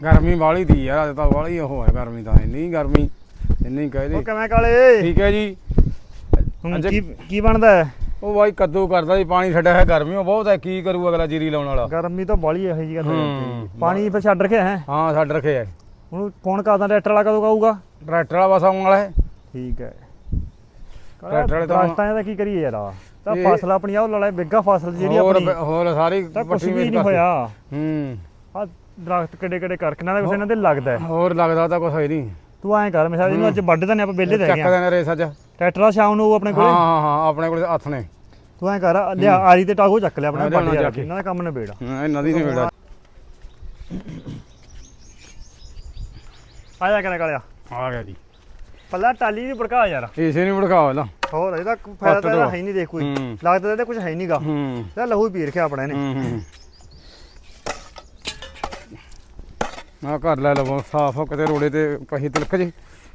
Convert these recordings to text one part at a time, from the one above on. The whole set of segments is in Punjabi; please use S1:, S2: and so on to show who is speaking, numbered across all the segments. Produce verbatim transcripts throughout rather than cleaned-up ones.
S1: ਗਰਮੀ ਵਾਲੀ ਦੀ ਯਾਰ ਅੱਜ ਤਾਂ ਵਾਲੀ ਉਹ ਹੈ ਗਰਮੀ ਤਾਂ ਇੰਨੀ ਗਰਮੀ ਇੰਨੀ ਕਹਿ ਦੇ।
S2: ਉਹ ਕਿਵੇਂ ਕਾਲੇ
S1: ਠੀਕ ਹੈ ਜੀ।
S2: ਹੁਣ ਕੀ ਕੀ ਬਣਦਾ ਹੈ?
S1: ਉਹ ਬਾਈ ਕੱਦੂ ਕਰਦਾ ਜੀ ਪਾਣੀ ਛੱਡਿਆ ਹੈ ਗਰਮੀ ਉਹ ਬਹੁਤ ਹੈ ਕੀ ਕਰੂ ਅਗਲਾ ਜੀਰੀ ਲਾਉਣ ਵਾਲਾ।
S2: ਗਰਮੀ ਤਾਂ ਬਾਲੀ ਇਹੋ ਜੀ ਗੱਲ ਪਾਣੀ ਫਿਰ ਛੱਡ ਰੱਖਿਆ ਹੈ?
S1: ਹਾਂ ਛੱਡ ਰੱਖਿਆ।
S2: ਹੁਣ ਫੋਨ ਕਰਦਾ ਟਰੈਕਟਰ ਵਾਲਾ ਕਦੋਂ ਆਊਗਾ?
S1: ਟਰੈਕਟਰ ਵਾਲਾ ਬਸ ਆਉਣ ਵਾਲਾ ਹੈ।
S2: ਠੀਕ ਹੈ।
S1: ਟਰੈਕਟਰ ਵਾਲੇ ਤਾਂ
S2: ਰਸਤਾਂ ਦਾ ਕੀ ਕਰੀਏ ਯਾਰ ਤਾਂ ਫਸਲ ਆਪਣੀ ਆ ਉਹ ਲੜਾ ਬਿੱਗਾ ਫਸਲ ਜਿਹੜੀ ਆਪਣੀ
S1: ਹੋਰ ਸਾਰੀ
S2: ਤਾਂ ਕੁਛ ਵੀ ਨਹੀਂ ਹੋਇਆ।
S1: ਹੂੰ
S2: ਆ ਦਰਖਤ ਕਿੱਡੇ ਕਿੱਡੇ ਕਰਕੇ ਨਾ ਕੁਛ ਇਹਨਾਂ ਦੇ ਲੱਗਦਾ
S1: ਹੋਰ ਲੱਗਦਾ ਤਾਂ ਕੁਛ ਹੈ ਨਹੀਂ।
S2: ਤੂੰ ਐਂ ਕਰ ਮਿਸਾਲ ਇਹਨੂੰ ਅੱਜ ਵੱਢ ਦਿੰਦੇ ਆਪਾਂ ਵਿਹਲੇ ਦੇ
S1: ਚੱਕ ਦੇਣਾ ਰੇਸ ਅੱਜ
S2: ਟਰੈਕਟਰ ਆ ਸ਼ਾਮ ਨੂੰ ਆਪਣੇ ਕੋਲੇ।
S1: ਹਾਂ ਹਾਂ ਹਾਂ ਆਪਣੇ ਕੋਲੇ ਹੱਥ ਨੇ।
S2: ਤੂੰ ਐਂ ਕਰ ਲਿਆ ਆਰੀ ਤੇ ਟਾਗੋ ਚੱਕ ਲਿਆ ਆਪਣਾ ਵੱਢ ਜਾ ਕੇ ਇਹਨਾਂ ਦਾ ਕੰਮ ਨਿਬੇੜ।
S1: ਹਾਂ ਇਹਨਾਂ ਦੀ ਨਿਬੇੜ
S2: ਆ ਜਾ ਕੇ ਕਾਲਿਆ
S1: ਆ ਗਿਆ ਜੀ।
S2: ਪੱਲਾ ਟਾਲੀ ਨਹੀਂ ਭੜਕਾ ਯਾਰ
S1: ਇਸੇ ਨਹੀਂ ਭੜਕਾਓ ਲਾ
S2: ਹੋਰ ਇਹਦਾ ਫਾਇਦਾ ਤਾਂ ਹੈ ਨਹੀਂ ਦੇਖ ਕੋਈ ਲੱਗਦਾ ਤੇ ਕੁਝ ਹੈ ਨਹੀਂਗਾ।
S1: ਹੂੰ
S2: ਤੇ ਲਹੂ ਪੀ ਰੱਖਿਆ ਆਪਣਾ ਇਹਨੇ।
S1: ਹੂੰ ਆ ਘਰ ਲੈ ਲਵੋ ਸਾਫ ਹੋ ਕਿਤੇ ਰੋੜੇ ਤੇ ਪਹੀ ਤਿਲਕ ਜੇ।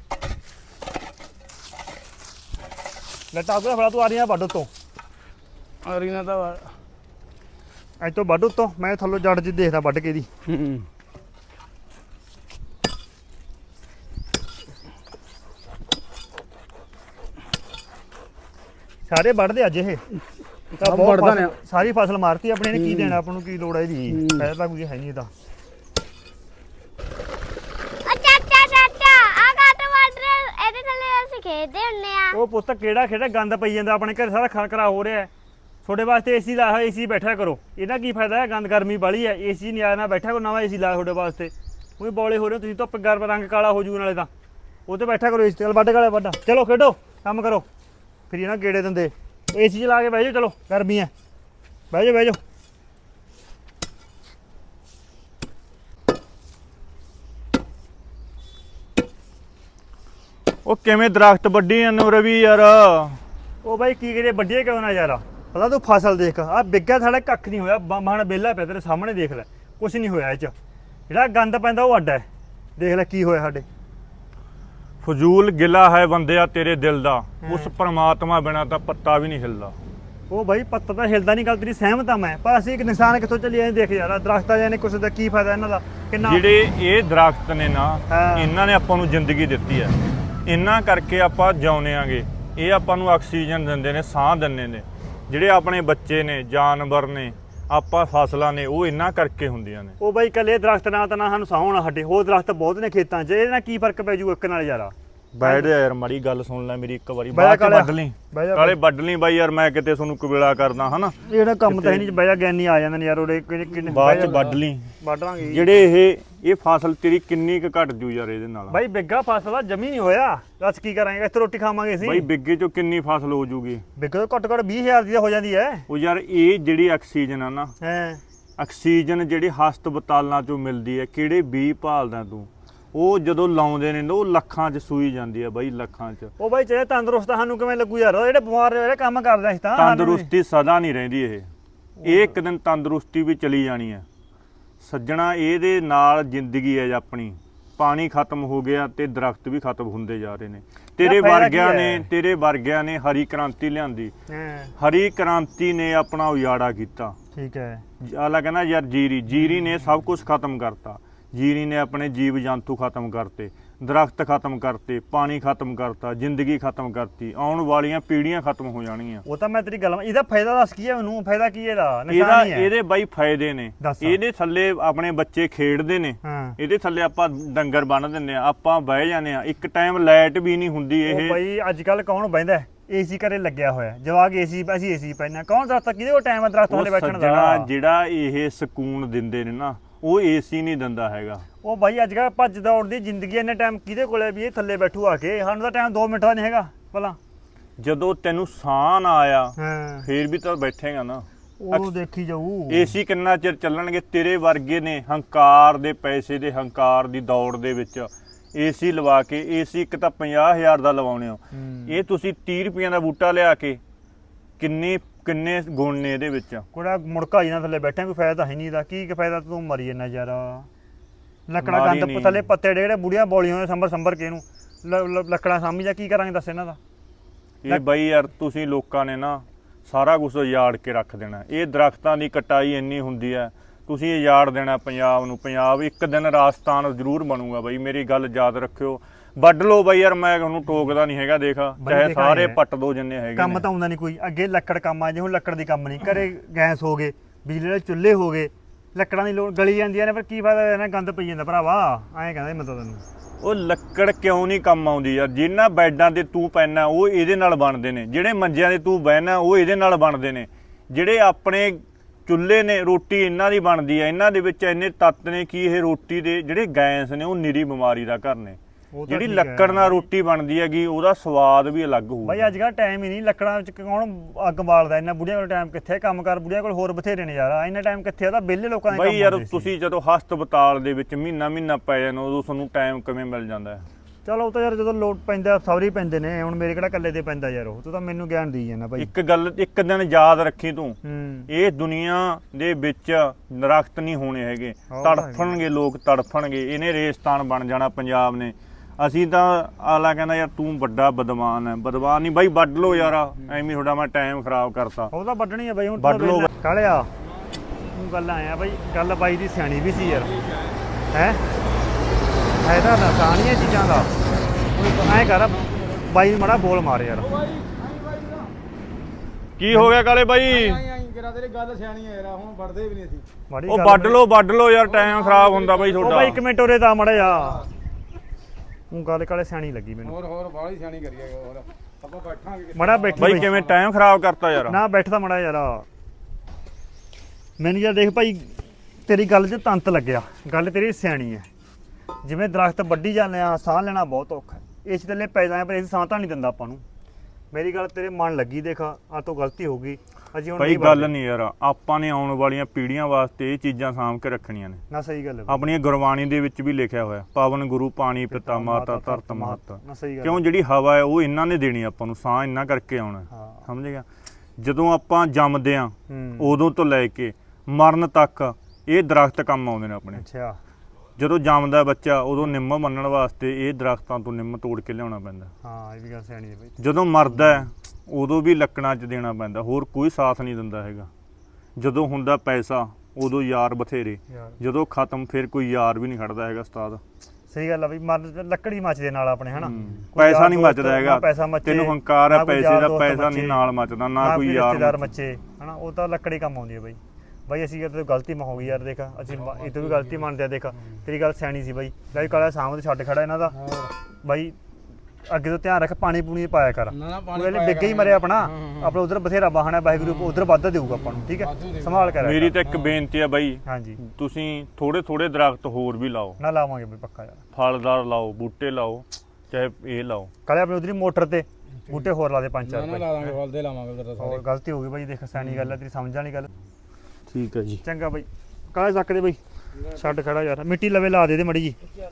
S2: ਲੈ ਟਾਗੋ ਫੜਾ ਤੂੰ ਆ ਰਹੀਆਂ ਵੱਢ ਤੋਂ
S1: ਆ ਰੀਨਾ ਤਾਂ
S2: ਅੱਜ ਤੋਂ ਵੱਢ ਉੱਤੋਂ ਮੈਂ ਥੱਲੋਂ ਜੜ ਜੀ ਦੇਖਦਾ ਵੱਢ ਕੇ ਦੀ।
S1: ਹੂੰ
S2: ਸਾਰੇ ਵੱਢਦੇ ਅੱਜ ਇਹ
S1: ਤਾਂ ਵੱਢਦਾ ਨੇ
S2: ਸਾਰੀ ਫਸਲ ਮਾਰਤੀ ਆਪਣੇ ਨੇ ਕੀ ਦੇਣਾ ਆਪਾਂ ਨੂੰ ਕੀ ਲੋੜ ਹੈ ਇਹਦੀ ਫਾਇਦਾ ਤਾਂ ਕੋਈ ਹੈ ਨਹੀਂ ਇਹਦਾ।
S3: ਖੇਡਦੇ ਹੁੰਨੇ ਆ
S2: ਉਹ ਪੁੱਤ ਕਿਹੜਾ ਖੇਡਾ ਗੰਦ ਪਈ ਜਾਂਦਾ ਆਪਣੇ ਘਰ ਸਾਰਾ ਖਰਖਰਾ ਹੋ ਰਿਹਾ। ਤੁਹਾਡੇ ਵਾਸਤੇ ਏਸੀ ਲਾਇਆ ਹੋਇਆ ਏਸੀ ਬੈਠਿਆ ਕਰੋ ਇਹਦਾ ਕੀ ਫਾਇਦਾ ਹੈ ਗੰਦ ਗਰਮੀ ਵਾਲੀ ਹੈ ਏਸੀ ਨਹੀਂ ਆਇਆ ਨਾ ਬੈਠਿਆ ਕਰੋ ਨਵਾਂ ਏਸੀ ਲਾਇਆ ਤੁਹਾਡੇ ਵਾਸਤੇ ਉਹ ਬੋਲੇ ਹੋ ਰਹੇ ਤੁਸੀਂ ਧੁੱਪ ਗਰਮ ਰੰਗ ਕਾਲਾ ਹੋ ਜੂ ਨਾਲੇ ਤਾਂ ਉਹ ਤੇ ਬੈਠਾ ਕਰੋ ਏਸੀ ਤੇ ਵੱਢ ਕਾਲੇ ਵੱਢਾ ਚਲੋ ਖੇਡੋ ਕੰਮ ਕਰੋ ਫਿਰ ਇਹ ਨਾ ਗੇੜੇ ਦਿੰਦੇ ਏਸੀ ਚਲਾ ਕੇ ਬਹਿ ਜਾਓ ਚਲੋ ਗਰਮੀ ਹੈ ਬਹਿ ਜਾਓ ਬਹਿ ਜਾਓ।
S4: ਉਹ ਕਿਵੇਂ ਦਰਖਤ ਵੱਢੀ ਜਾਂਦੇ ਹੋ ਰਵੀ ਯਾਰ?
S2: ਉਹ ਬਾਈ ਕੀ ਕਰੀਏ ਵੱਡੀਏ ਕਿਉਂ ਨਾ ਯਾਰ ਪਤਾ ਤੂੰ ਫਸਲ ਦੇਖ ਆ ਬਿੱਗਾ ਸਾਡਾ ਕੱਖ ਨਹੀਂ ਹੋਇਆ ਮਾਣ ਵਿਹਲਾ ਪਿਆ ਤੇਰੇ ਸਾਹਮਣੇ ਦੇਖ ਲੈ ਕੁਛ ਨਹੀਂ ਹੋਇਆ ਇਹ ਚ ਜਿਹੜਾ ਗੰਦ ਪੈਂਦਾ ਉਹ ਅੱਡ ਹੈ ਦੇਖ ਲੈ ਕੀ ਹੋਇਆ ਸਾਡੇ।
S4: ਫਜ਼ੂਲ ਗਿਲਾ ਹੈ ਬੰਦਿਆ ਤੇਰੇ ਦਿਲ ਦਾ ਉਸ ਪਰਮਾਤਮਾ ਬਿਨਾ ਤਾਂ ਪੱਤਾ ਵੀ ਨਹੀਂ ਹਿਲਦਾ।
S2: ਉਹ ਬਾਈ ਪੱਤਾ ਤਾਂ ਹਿਲਦਾ ਨਹੀਂ ਗੱਲ ਤੇਰੀ ਸਹਿਮਤ ਆ ਮੈਂ ਪਰ ਅਸੀਂ ਇੱਕ ਨਿਸ਼ਾਨ ਕਿੱਥੋਂ ਚੱਲੀ ਜਾਂਦੇ ਦੇਖ ਯਾਰ ਦਰਖਤਾਂ ਜਾਨੇ ਕੁਛ ਦਾ ਕੀ ਫਾਇਦਾ ਇਹਨਾਂ ਦਾ ਕਿੰਨਾ
S4: ਜਿਹੜੇ ਇਹ ਦਰਖਤ ਨੇ ਨਾ ਇਹਨਾਂ ਨੇ ਆਪਾਂ ਨੂੰ ਜ਼ਿੰਦਗੀ ਦਿੱਤੀ ਹੈ ਇਹਨਾਂ ਕਰਕੇ ਆਪਾਂ ਜਿਉਂਦੇ ਆਂਗੇ ਇਹ ਆਪਾਂ ਨੂੰ ਆਕਸੀਜਨ ਦਿੰਦੇ ਨੇ ਸਾਹ ਦਿੰਦੇ ਨੇ ਜਿਹੜੇ ਆਪਣੇ ਬੱਚੇ ਨੇ ਜਾਨਵਰ ਨੇ ਆਪਾਂ ਫਸਲਾਂ ਨੇ ਉਹ ਇਹਨਾਂ ਕਰਕੇ ਹੁੰਦੀਆਂ ਨੇ।
S2: ਉਹ ਬਾਈ ਕੱਲੇ ਦਰਖਤ ਨਾਲ ਤਾਂ ਨਾ ਸਾਨੂੰ ਸਾਹ ਹੋਣਾ ਸਾਡੇ ਹੋਰ ਦਰਖਤ ਬਹੁਤ ਨੇ ਖੇਤਾਂ 'ਚ ਇਹਦੇ ਨਾਲ ਕੀ ਫਰਕ ਪੈ ਜੂ ਇੱਕ ਨਾਲ ਯਾਰ।
S4: ਬੈਠ ਜਾ ਯਾਰ ਮਾੜੀ ਗੱਲ ਸੁਣ ਲੈ ਮੇਰੀ ਇੱਕ ਵਾਰੀ ਬਾਅਦ ਚ ਵੱਢ ਲਈ ਕਾਲੇ ਵੱਢ ਲਈ ਬਾਈ ਯਾਰ ਮੈਂ ਕਿਤੇ ਤੁਹਾਨੂੰ ਕਬੀਲਾ ਕਰਦਾ ਹਨਾ
S2: ਜਿਹੜਾ ਕੰਮ ਤਾਂ ਹੈ ਨਹੀਂ ਬਹਿ ਜਾ ਗਿਆਨੀ ਆ ਜਾਂਦੇ ਨੇ ਯਾਰ ਉਹਦੇ ਕਿੰਨੇ
S4: ਬਾਅਦ ਚ ਵੱਢ ਲਈ
S2: ਵੱਢ ਲਾਂਗੇ
S4: ਜਿਹੜੇ ਇਹ ਇਹ ਫਸਲ ਤੇਰੀ ਕਿੰਨੀ ਕੁ ਘਟ ਜੂ ਯਾਰ ਇਹਦੇ ਨਾਲ।
S2: ਬਾਈ ਬਿੱਗਾ ਫਸਲ ਦਾ ਜਮੀ ਨਹੀਂ ਹੋਇਆ ਦੱਸ ਕੀ ਕਰਾਂਗੇ ਇੱਥੇ ਰੋਟੀ ਖਾਵਾਂਗੇ ਅਸੀਂ
S4: ਬਾਈ ਬਿੱਗੇ ਚੋਂ ਕਿੰਨੀ ਫਸਲ ਹੋ ਜੂਗੀ?
S2: ਬਿੱਗੇ ਤੋਂ ਘੱਟ ਘੱਟ ਵੀਹ ਹਜ਼ਾਰ ਦੀ ਹੋ ਜਾਂਦੀ ਹੈ।
S4: ਉਹ ਯਾਰ ਇਹ ਜਿਹੜੀ ਆਕਸੀਜਨ ਆ ਨਾ
S2: ਹਾਂ
S4: ਆਕਸੀਜਨ ਜਿਹੜੀ ਹਸਪਤਾਲਾਂ ਚੋਂ ਮਿਲਦੀ ਹੈ ਕਿਹੜੇ ਬੀਜ ਭਾਲਦਾ ਤੂੰ ਉਹ ਜਦੋਂ ਲਾਉਂਦੇ ਨੇ ਉਹ ਲੱਖਾਂ 'ਚ ਸੂਈ ਜਾਂਦੀ ਆ ਬਾਈ ਲੱਖਾਂ 'ਚ।
S2: ਉਹ ਬਾਈ ਚਾਹੇ ਤੰਦਰੁਸਤ ਸਾਨੂੰ ਕਿਵੇਂ ਲੱਗੂ ਯਾਰ ਜਿਹੜੇ ਬਿਮਾਰ ਜਿਹੜੇ ਕੰਮ ਕਰਦੇ ਅਸੀਂ ਤਾਂ
S4: ਤੰਦਰੁਸਤੀ ਸਦਾ ਨਹੀਂ ਰਹਿੰਦੀ ਇਹ ਇਹ ਇੱਕ ਦਿਨ ਤੰਦਰੁਸਤੀ ਵੀ ਚਲੀ ਜਾਣੀ ਹੈ ਸੱਜਣਾ ਇਹਦੇ ਨਾਲ ਜ਼ਿੰਦਗੀ ਹੈ ਆਪਣੀ। ਪਾਣੀ ਖਤਮ ਹੋ ਗਿਆ ਤੇ ਦਰਖਤ ਵੀ ਖਤਮ ਹੁੰਦੇ ਜਾ ਰਹੇ ਨੇ। ਤੇਰੇ ਵਰਗਿਆਂ ਨੇ ਤੇਰੇ ਵਰਗਿਆਂ ਨੇ ਹਰੀ ਕ੍ਰਾਂਤੀ ਲਿਆਂਦੀ ਹਰੀ ਕ੍ਰਾਂਤੀ ਨੇ ਆਪਣਾ ਉਜਾੜਾ ਕੀਤਾ।
S2: ਠੀਕ ਹੈ
S4: ਆਲਾ ਕਹਿੰਦਾ ਯਾਰ ਜੀਰੀ ਜੀਰੀ ਨੇ ਸਭ ਕੁਝ ਖਤਮ ਕਰਤਾ ਜੀਰੀ ਨੇ ਆਪਣੇ ਜੀਵ ਜੰਤੂ ਖਤਮ ਕਰਤੇ ਦਰਖਤ ਖਤਮ ਕਰਤੇ ਪਾਣੀ ਖਤਮ ਕਰਤਾ ਜ਼ਿੰਦਗੀ ਖਤਮ ਕਰਤੀ ਆਉਣ ਵਾਲੀਆਂ ਪੀੜ੍ਹੀਆਂ ਖਤਮ ਹੋ ਜਾਣਗੀਆਂ।
S2: ਉਹ ਤਾਂ ਮੈਂ ਤੇਰੀ ਗੱਲ ਇਹਦਾ ਫਾਇਦਾ ਦੱਸ ਕੀ ਹੈ ਮੈਨੂੰ ਫਾਇਦਾ ਕੀ ਇਹਦਾ
S4: ਇਹਦਾ ਇਹਦੇ ਬਾਈ ਫਾਇਦੇ ਨੇ ਇਹਦੇ ਥੱਲੇ ਆਪਣੇ ਬੱਚੇ ਖੇਡਦੇ ਨੇ ਇਹਦੇ ਥੱਲੇ ਆਪਾਂ ਡੰਗਰ ਬੰਨ ਦਿੰਦੇ ਆ ਆਪਾਂ ਬਹਿ ਜਾਂਦੇ ਆ ਇੱਕ ਟਾਈਮ ਲਾਈਟ ਵੀ ਨਹੀਂ ਹੁੰਦੀ ਇਹ
S2: ਬਾਈ ਅੱਜ ਕੱਲ ਕੌਣ ਬਹਿੰਦਾ ਏਸੀ ਘਰੇ ਲੱਗਿਆ ਹੋਇਆ ਜਵਾਕ ਏਸੀ ਅਸੀਂ ਏਸੀ ਪੈਣਾ ਕੌਣ ਦਰਖਤ ਕਿਹਦੇ ਕੋਲ ਟਾਈਮ ਹੈ ਦਰਖਤ ਥੱਲੇ ਬੈਠਣ ਦਾ?
S4: ਜਿਹੜਾ ਇਹ ਸਕੂਨ ਦਿੰਦੇ ਨੇ ਨਾ ਉਹ ਏਸੀ ਨਹੀਂ ਦਿੰਦਾ ਹੈਗਾ।
S2: ਉਹ ਬਾਈ ਅੱਜ ਕੱਲ ਭੱਜ ਦੌੜ ਦੀ ਜ਼ਿੰਦਗੀ ਇੰਨੇ ਟਾਈਮ ਕਿਹਦੇ ਕੋਲ ਹੈ ਵੀ ਇਹ ਥੱਲੇ ਬੈਠੂ ਆ ਕੇ ਸਾਨੂੰ ਤਾਂ ਟਾਈਮ ਦੋ ਮਿੰਟ ਦਾ ਨਹੀਂ ਹੈਗਾ ਭਲਾ।
S4: ਜਦੋਂ ਤੈਨੂੰ ਸਾਹ ਨਾ ਆਇਆ ਫੇਰ ਵੀ ਤਾਂ ਬੈਠੇਗਾ ਨਾ
S2: ਉਹ ਦੇਖੀ ਜਾਊ
S4: ਏਸੀ ਕਿੰਨਾ ਚਿਰ ਚੱਲਣਗੇ। ਤੇਰੇ ਵਰਗੇ ਨੇ ਹੰਕਾਰ ਦੇ ਪੈਸੇ ਦੇ ਹੰਕਾਰ ਦੀ ਦੌੜ ਦੇ ਵਿੱਚ ਏਸੀ ਲਵਾ ਕੇ ਏਸੀ ਇੱਕ ਤਾਂ ਪੰਜਾਹ ਹਜ਼ਾਰ ਦਾ ਲਵਾਉਣੇ ਹੋ ਇਹ ਤੁਸੀਂ ਤੀਹ ਰੁਪਈਆਂ ਦਾ ਬੂਟਾ ਲਿਆ ਕੇ ਕਿੰਨੀ ਕਿੰਨੇ ਗੁਣ ਨੇ ਇਹਦੇ ਵਿੱਚ।
S2: ਕੋੜਾ ਮੁੜਕਾ ਜੀ ਨਾਲ ਥੱਲੇ ਬੈਠਾ ਕੋਈ ਫਾਇਦਾ ਹੈ ਨਹੀਂ ਦਾ ਕੀ ਫਾਇਦਾ ਤੂੰ ਮਰੀ ਜਾਂਦਾ ਯਾਰ ਲੱਕੜਾ ਗੰਦ ਥੱਲੇ ਪੱਤੇ ਜਿਹੜੇ ਬੁੜੀਆਂ ਬੋਲੀਆਂ ਹੋਏ ਸੰਭਰ ਸੰਭਰ ਕੇ ਇਹਨੂੰ ਲੱਕੜਾਂ ਸਾਂਭੀ ਜਾ ਕੀ ਕਰਾਂਗੇ ਦੱਸ ਇਹਨਾਂ ਦਾ।
S4: ਇਹ ਬਾਈ ਯਾਰ ਤੁਸੀਂ ਲੋਕਾਂ ਨੇ ਨਾ ਸਾਰਾ ਕੁਝ ਉਜਾੜ ਕੇ ਰੱਖ ਦੇਣਾ। ਇਹ ਦਰਖਤਾਂ ਦੀ ਕਟਾਈ ਇੰਨੀ ਹੁੰਦੀ ਹੈ ਤੁਸੀਂ ਉਜਾੜ ਦੇਣਾ ਪੰਜਾਬ ਨੂੰ। ਪੰਜਾਬ ਇੱਕ ਦਿਨ ਰਾਜਸਥਾਨ ਜ਼ਰੂਰ ਬਣੂਗਾ ਬਾਈ, ਮੇਰੀ ਗੱਲ ਯਾਦ ਰੱਖਿਓ। ਵੱਢ ਲਓ ਬਾਈ ਯਾਰ, ਮੈਂ ਤੁਹਾਨੂੰ ਟੋਕਦਾ ਨਹੀਂ ਹੈਗਾ। ਦੇਖ ਚਾਹੇ ਸਾਰੇ ਪੱਟ ਦੋ ਜਿੰਨੇ ਹੈਗੇ
S2: ਕੰਮ ਤਾਂ ਆਉਂਦਾ ਨਹੀਂ ਕੋਈ। ਅੱਗੇ ਲੱਕੜ ਕੰਮ ਆ, ਜੇ ਹੁਣ ਲੱਕੜ ਦੀ ਕੰਮ ਨਹੀਂ, ਘਰੇ ਗੈਸ ਹੋ ਗਏ, ਬਿਜਲੀ ਦੇ ਚੁੱਲ੍ਹੇ ਹੋ ਗਏ, ਲੱਕੜਾਂ ਦੀ ਲੋੜ ਗਲੀ ਜਾਂਦੀਆਂ ਨੇ, ਪਰ ਕੀ ਫਾਇਦਾ ਇਹਨਾਂ ਗੰਦ ਪਈ ਜਾਂਦਾ ਭਰਾਵਾ। ਐਂ ਕਹਿੰਦੇ ਮੈਂ ਤਾਂ ਤੈਨੂੰ,
S4: ਉਹ ਲੱਕੜ ਕਿਉਂ ਨਹੀਂ ਕੰਮ ਆਉਂਦੀ ਯਾਰ? ਜਿਨ੍ਹਾਂ ਬੈਡਾਂ ਤੇ ਤੂੰ ਪੈਣਾ ਉਹ ਇਹਦੇ ਨਾਲ ਬਣਦੇ ਨੇ, ਜਿਹੜੇ ਮੰਜਿਆਂ ਤੇ ਤੂੰ ਬਹਿਣਾ ਉਹ ਇਹਦੇ ਨਾਲ ਬਣਦੇ ਨੇ, ਜਿਹੜੇ ਆਪਣੇ ਚੁੱਲ੍ਹੇ ਨੇ ਰੋਟੀ ਇਹਨਾਂ ਦੀ ਬਣਦੀ ਹੈ। ਇਹਨਾਂ ਦੇ ਵਿੱਚ ਇੰਨੇ ਤੱਤ ਨੇ ਕਿ ਇਹ ਰੋਟੀ ਦੇ ਜਿਹੜੇ ਗੈਸ ਨੇ ਉਹ ਨਿਰੀ ਬਿਮਾਰੀ ਦਾ ਘਰ ਨੇ। ਜਿਹੜੀ ਲੱਕੜ ਨਾਲ ਰੋਟੀ ਬਣਦੀ ਹੈਗੀ ਉਹਦਾ ਸਵਾਦ ਵੀ ਅਲੱਗ ਹੋਊਗਾ।
S2: ਬਾਈ ਅੱਜ ਕੱਲ੍ਹ ਟਾਈਮ ਹੀ ਨਹੀਂ, ਲੱਕੜਾਂ ਵਿੱਚ ਕੌਣ ਅੱਗ ਬਾਲਦਾ? ਇੰਨਾ ਬੁੜੀਆਂ ਕੋਲ ਟਾਈਮ ਕਿੱਥੇ? ਕੰਮ ਕਰ ਬੁੜੀਆਂ ਕੋਲ ਹੋਰ ਬਥੇਰੇ ਨੇ ਯਾਰ, ਇੰਨਾ ਟਾਈਮ ਕਿੱਥੇ? ਉਹਦਾ ਵਿਹਲੇ ਲੋਕਾਂ ਦੇ ਕੰਮ
S4: ਬਾਈ ਯਾਰ
S2: ਹੁੰਦੇ ਸੀ।
S4: ਤੁਸੀਂ ਜਦੋਂ ਹਸਪਤਾਲ ਦੇ ਵਿੱਚ ਮਹੀਨਾ ਮਹੀਨਾ ਪੈ ਜਾਂਦੇ ਉਦੋਂ ਤੁਹਾਨੂੰ ਟਾਈਮ ਕਿਵੇਂ ਮਿਲ ਜਾਂਦਾ ਹੈ?
S2: ਚਲੋ ਉਹ ਤਾਂ ਯਾਰ ਜਦੋਂ ਲੋਡ ਪੈਂਦਾ ਸੌਰੀ ਪੈਂਦੇ ਨੇ, ਹੁਣ ਮੇਰੇ ਕਿਹੜਾ ਇਕੱਲੇ ਤੇ ਪੈਂਦਾ ਯਾਰ। ਉਹ ਤੂੰ ਤਾਂ ਮੈਨੂੰ ਗਿਆਨ ਦੇਈ ਜਾਂਦਾ ਬਾਈ।
S4: ਇੱਕ ਗੱਲ ਇੱਕ ਦਿਨ ਯਾਦ ਰੱਖੀ ਤੂੰ,
S2: ਹੂੰ
S4: ਇਹ ਦੁਨੀਆ ਦੇ ਵਿੱਚ ਦਰਖਤ ਨਹੀਂ ਹੋਣੇ ਹੈਗੇ, ਤੜਫਣਗੇ ਲੋਕ, ਤੜਫਣਗੇ। ਇਹਨੇ ਰੇਸਤਾਨ ਬਣ ਜਾਣਾ ਪੰਜਾਬ ਨੇ। ਅਸੀਂ ਤਾਂ ਆਲਾ ਕਹਿੰਦਾ ਯਾਰ ਤੂੰ ਵੱਡਾ ਬਦਮਾਨ ਹੈ। ਬਦਮਾਨ ਨਹੀਂ ਬਾਈ, ਵੱਢ ਲਓ ਯਾਰ, ਐਵੇਂ ਥੋੜਾ ਮੈਂ ਟਾਈਮ ਖਰਾਬ ਕਰਤਾ।
S2: ਉਹ ਤਾਂ ਵੱਢਣੀ ਆ ਬਾਈ ਹੁਣ।
S4: ਵੱਢ ਲਓ
S2: ਕਾਲਿਆ ਤੂੰ ਗੱਲ ਆਇਆ ਬਾਈ, ਗੱਲ ਬਾਈ ਦੀ ਸਿਆਣੀ ਵੀ ਸੀ ਯਾਰ। ਹੈ ਫਾਇਦਾ ਨੁਕਸਾਨ ਹੀ ਇਹ ਚੀਜ਼ਾਂ ਦਾ। ਐਂ ਕਰ ਬਾਈ ਨੂੰ ਮਾੜਾ ਬੋਲ ਮਾਰ ਯਾਰ।
S4: ਕੀ ਹੋ ਗਿਆ ਕਾਲੇ ਬਾਈ?
S1: ਤੇਰੀ ਗੱਲ ਸਿਆਣੀ ਹੈ ਯਾਰ, ਹੁਣ ਵੱਢਦੇ ਵੀ ਨਹੀਂ ਅਸੀਂ।
S2: ਮਾੜੀ
S4: ਉਹ
S2: ਗੱਲ
S4: ਵੱਢ ਲਓ ਵੱਢ ਲਓ ਯਾਰ, ਟਾਈਮ ਖਰਾਬ ਹੁੰਦਾ ਬਾਈ
S2: ਉਹ
S4: ਤੁਹਾਡਾ।
S2: ਬਾਈ ਇੱਕ ਮਿੰਟ ਉਰੇ ਤਾਂ ਮਾੜਾ ਜਾ। ਉਹ ਗੱਲ ਕਾਲੇ ਸਿਆਣੀ ਲੱਗੀ ਮੈਨੂੰ।
S1: ਹੋਰ ਹੋਰ ਬਾਹਲੀ ਸਿਆਣੀ ਕਰੀਏ ਹੋਰ, ਆਪਾਂ ਬੈਠਾਂਗੇ
S2: ਮਾੜਾ ਬੈਠੀ
S4: ਬਾਈ ਕਿਵੇਂ ਟਾਈਮ ਖਰਾਬ ਕਰਤਾ ਯਾਰ?
S2: ਨਾ ਬੈਠਦਾ ਮਾੜਾ ਯਾਰ। ਮੈਨੂੰ ਯਾਰ ਦੇਖ ਭਾਈ, ਤੇਰੀ ਗੱਲ 'ਚ ਤੰਤ ਲੱਗਿਆ, ਗੱਲ ਤੇਰੀ ਸਿਆਣੀ ਹੈ। ਜਿਵੇਂ ਦਰਖਤ ਵੱਢੀ ਜਾਂਦੇ ਆ, ਸਾਹ ਲੈਣਾ ਬਹੁਤ ਔਖਾ। ਇਸ ਥੱਲੇ ਪੈ ਜਾਂਦੇ ਪਰ ਇਸ ਸਾਹ ਤਾਂ ਨਹੀਂ ਦਿੰਦਾ ਆਪਾਂ ਨੂੰ। ਮੇਰੀ ਗੱਲ ਤੇਰੇ ਮਨ ਲੱਗੀ, ਦੇਖ ਆ ਤੋਂ ਗਲਤੀ ਹੋ ਗਈ। ਅਸੀਂ ਹੁਣ
S4: ਬਾਈ ਗੱਲ ਨਹੀਂ ਯਾਰ, ਆਪਾਂ ਨੇ ਆਉਣ ਵਾਲੀਆਂ ਪੀੜ੍ਹੀਆਂ ਵਾਸਤੇ ਇਹ ਚੀਜ਼ਾਂ ਸਾਂਭ ਕੇ ਰੱਖਣੀਆਂ ਨੇ।
S2: ਨਾ ਸਹੀ ਗੱਲ ਹੈ।
S4: ਆਪਣੀ ਗੁਰਬਾਣੀ ਦੇ ਵਿੱਚ ਵੀ ਲਿਖਿਆ ਹੋਇਆ, ਪਾਵਨ ਗੁਰੂ ਪਾਣੀ ਪਿਤਾ ਮਾਤਾ ਧਰਤ ਮਾਤਾ।
S2: ਨਾ ਸਹੀ ਗੱਲ।
S4: ਕਿਉਂ? ਜਿਹੜੀ ਹਵਾ ਹੈ ਉਹ ਇਹਨਾਂ ਨੇ ਦੇਣੀ ਆਪਾਂ ਨੂੰ, ਸਾਹ ਇਹਨਾਂ ਕਰਕੇ ਆਉਣਾ।
S2: ਹਾਂ
S4: ਸਮਝ ਗਿਆ? ਜਦੋਂ ਆਪਾਂ ਜੰਮਦੇ ਆ
S2: ਹੂੰ
S4: ਉਦੋਂ ਤੋਂ ਲੈ ਕੇ ਮਰਨ ਤੱਕ ਇਹ ਦਰਖਤ ਕੰਮ ਆਉਂਦੇ ਨੇ ਆਪਣੇ।
S2: ਅੱਛਾ।
S4: ਜਦੋਂ ਜੰਮਦਾ ਬੱਚਾ ਉਦੋਂ ਨਿੰਮ ਮੰਨਣ ਵਾਸਤੇ ਇਹ ਦਰਖਤਾਂ ਤੋਂ ਨਿੰਮ ਤੋੜ ਕੇ ਲਿਆਉਣਾ ਪੈਂਦਾ।
S2: ਹਾਂ ਇਹ ਵੀ ਗੱਲ ਸਿਆਣੀ ਹੈ ਬਾਈ।
S4: ਜਦੋਂ ਮਰਦਾ ਹੈ ਉਦੋਂ ਵੀ ਲੱਕੜਾਂ 'ਚ ਦੇਣਾ ਪੈਂਦਾ, ਹੋਰ ਕੋਈ ਸਾਥ ਨਹੀਂ ਦਿੰਦਾ ਹੈਗਾ। ਜਦੋਂ ਹੁੰਦਾ ਪੈਸਾ ਉਦੋਂ ਯਾਰ ਬਥੇਰੇ,
S2: ਯਾਰ
S4: ਜਦੋਂ ਖਤਮ ਫਿਰ ਕੋਈ ਯਾਰ ਵੀ ਨਹੀਂ ਖੜਦਾ ਹੈਗਾ ਉਸਤਾਦ।
S2: ਸਹੀ ਗੱਲ ਆ ਬਈ, ਮਰ ਲੱਕੜੀ ਮੱਚਦੇ ਨਾਲ ਆਪਣੇ ਹਨਾ।
S4: ਪੈਸਾ ਨਹੀਂ ਮੱਚਦਾ ਹੈਗਾ,
S2: ਪੈਸਾ ਮੱਚੇ,
S4: ਤੈਨੂੰ ਹੰਕਾਰ ਹੈ
S2: ਨਾ ਕੋਈ
S4: ਪੈਸੇ
S2: ਯਾਰ
S4: ਦਾ,
S2: ਦੋਸਤ
S4: ਪੈਸਾ ਨਹੀਂ
S2: ਮੱਚੇ,
S4: ਨਾਲ ਮੱਚਦਾ, ਨਾ ਕੋਈ ਯਾਰ
S2: ਰਿਸ਼ਤੇਦਾਰ ਮੱਚੇ ਹਨਾ। ਉਹ ਤਾਂ ਲੱਕੜੀ ਕੰਮ ਆਉਂਦੀ ਹੈ ਬਾਈ। ਬਾਈ ਅਸੀਂ ਕਿਤੇ ਗਲਤੀ ਮ ਹੋ ਗਈ ਯਾਰ, ਦੇਖ ਅਸੀਂ ਇਹ ਤੋਂ ਵੀ ਗਲਤੀ ਮੰਨਦੇ ਆ। ਦੇਖ ਤੇਰੀ ਗੱਲ ਸਿਆਣੀ ਸੀ ਬਾਈ। ਬਾਈ ਕਾਲਾ ਸਾਹਮਣੇ ਛੱਡ ਖੜਾ ਇਹਨਾਂ ਦਾ ਬਾਈ। ਅੱਗੇ ਤੋਂ ਧਿਆਨ ਰੱਖ, ਪਾਣੀ ਪੂਣੀ ਪਾਇਆ ਕਰ। ਉਹਦੇ ਡਿੱਗੇ ਹੀ ਮਰੇ ਆਪਣਾ ਆਪਣਾ ਉਧਰ ਬਥੇਰਾ ਵਾਹਣਾ, ਵਾਹਿਗੁਰੂ ਉਧਰ ਵੱਧ ਦੇਊਗਾ ਆਪਾਂ ਨੂੰ। ਠੀਕ ਹੈ, ਸੰਭਾਲ ਕਰ।
S4: ਮੇਰੀ ਤਾਂ ਇੱਕ ਬੇਨਤੀ ਹੈ ਬਾਈ,
S2: ਹਾਂਜੀ
S4: ਤੁਸੀਂ ਥੋੜੇ ਥੋੜੇ ਦਰਖਤ ਹੋਰ ਵੀ ਲਾਓ,
S2: ਨਾ ਲਾਵਾਂਗੇ ਬਈ ਪੱਕਾ ਯਾਰ।
S4: ਫਲਦਾਰ ਲਾਓ, ਬੂਟੇ ਲਾਓ, ਚਾਹੇ ਇਹ ਲਾਓ।
S2: ਕਾਲੇ ਆਪਣੇ ਉਧਰੀ ਮੋਟਰ ਤੇ ਬੂਟੇ ਹੋਰ ਲਾ ਦੇ ਪੰਜ ਚਾਰ ਬਾਈ।
S1: ਲਾਵਾਂਗੇ ਫਲਦੇ ਲਾਵਾਂਗੇ ਉਧਰ
S2: ਹੋਰ ਗਲਤੀ ਹੋ ਗਈ ਬਾਈ, ਦੇਖ ਸਿਆਣੀ ਗੱਲ ਹੈ ਤੇਰੀ, ਸਮਝ ਵਾਲੀ ਗੱਲ।
S4: ਠੀਕ ਹੈ ਜੀ,
S2: ਚੰਗਾ ਬਾਈ। ਕਾਲੇ ਚੱਕ ਦੇ ਬਾਈ, ਛੱਡ ਖੜਾ ਯਾਰ। ਮਿੱਟੀ ਲਵੇ ਲਾ ਦੇ ਦੇ ਮੜੀ ਜੀ।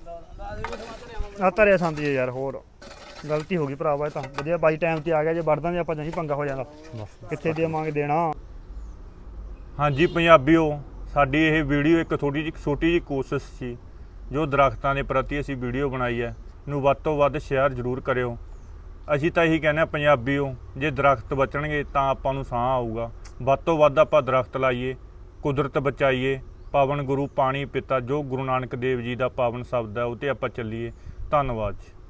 S2: ਆ ਧਰਿਆ ਸੰਦੀ ਯਾਰ, ਹੋਰ ਗਲਤੀ ਹੋ ਗਈ ਭਰਾਵਾ। ਇਹ ਤਾਂ ਵਧੀਆ ਬਾਈ ਟਾਈਮ ਤੇ ਆ ਗਿਆ, ਜੇ ਵੜਦਾਂ ਜੇ ਆਪਾਂ ਨਹੀਂ ਪੰਗਾ ਹੋ ਜਾਂਦਾ। ਕਿੱਥੇ ਦੇਵਾਂਗੇ ਦੇਣਾ।
S4: ਹਾਂਜੀ ਪੰਜਾਬੀਓ, ਸਾਡੀ ਇਹ ਵੀਡੀਓ ਇੱਕ ਥੋੜੀ ਜਿਹੀ ਛੋਟੀ ਜਿਹੀ ਕੋਸ਼ਿਸ਼ ਸੀ ਜੋ ਦਰਖਤਾਂ ਦੇ ਪ੍ਰਤੀ ਅਸੀਂ ਵੀਡੀਓ ਬਣਾਈ ਹੈ, ਨੂੰ ਵੱਧ ਤੋਂ ਵੱਧ ਸ਼ੇਅਰ ਜ਼ਰੂਰ ਕਰਿਓ। ਅਸੀਂ ਤਾਂ ਇਹੀ ਕਹਿੰਦੇ ਹਾਂ ਪੰਜਾਬੀਓ, ਜੇ ਦਰਖਤ ਬਚਣਗੇ ਤਾਂ ਆਪਾਂ ਨੂੰ ਸਾਹ ਆਊਗਾ। ਵੱਧ ਤੋਂ ਵੱਧ ਆਪਾਂ ਦਰਖਤ ਲਾਈਏ, ਕੁਦਰਤ ਬਚਾਈਏ। ਪਾਵਨ ਗੁਰੂ ਪਾਣੀ ਪਿਤਾ ਜੋ ਗੁਰੂ ਨਾਨਕ ਦੇਵ ਜੀ ਦਾ ਪਾਵਨ ਸ਼ਬਦ ਹੈ ਉਹ 'ਤੇ ਆਪਾਂ ਚੱਲੀਏ। ਧੰਨਵਾਦ ਜੀ।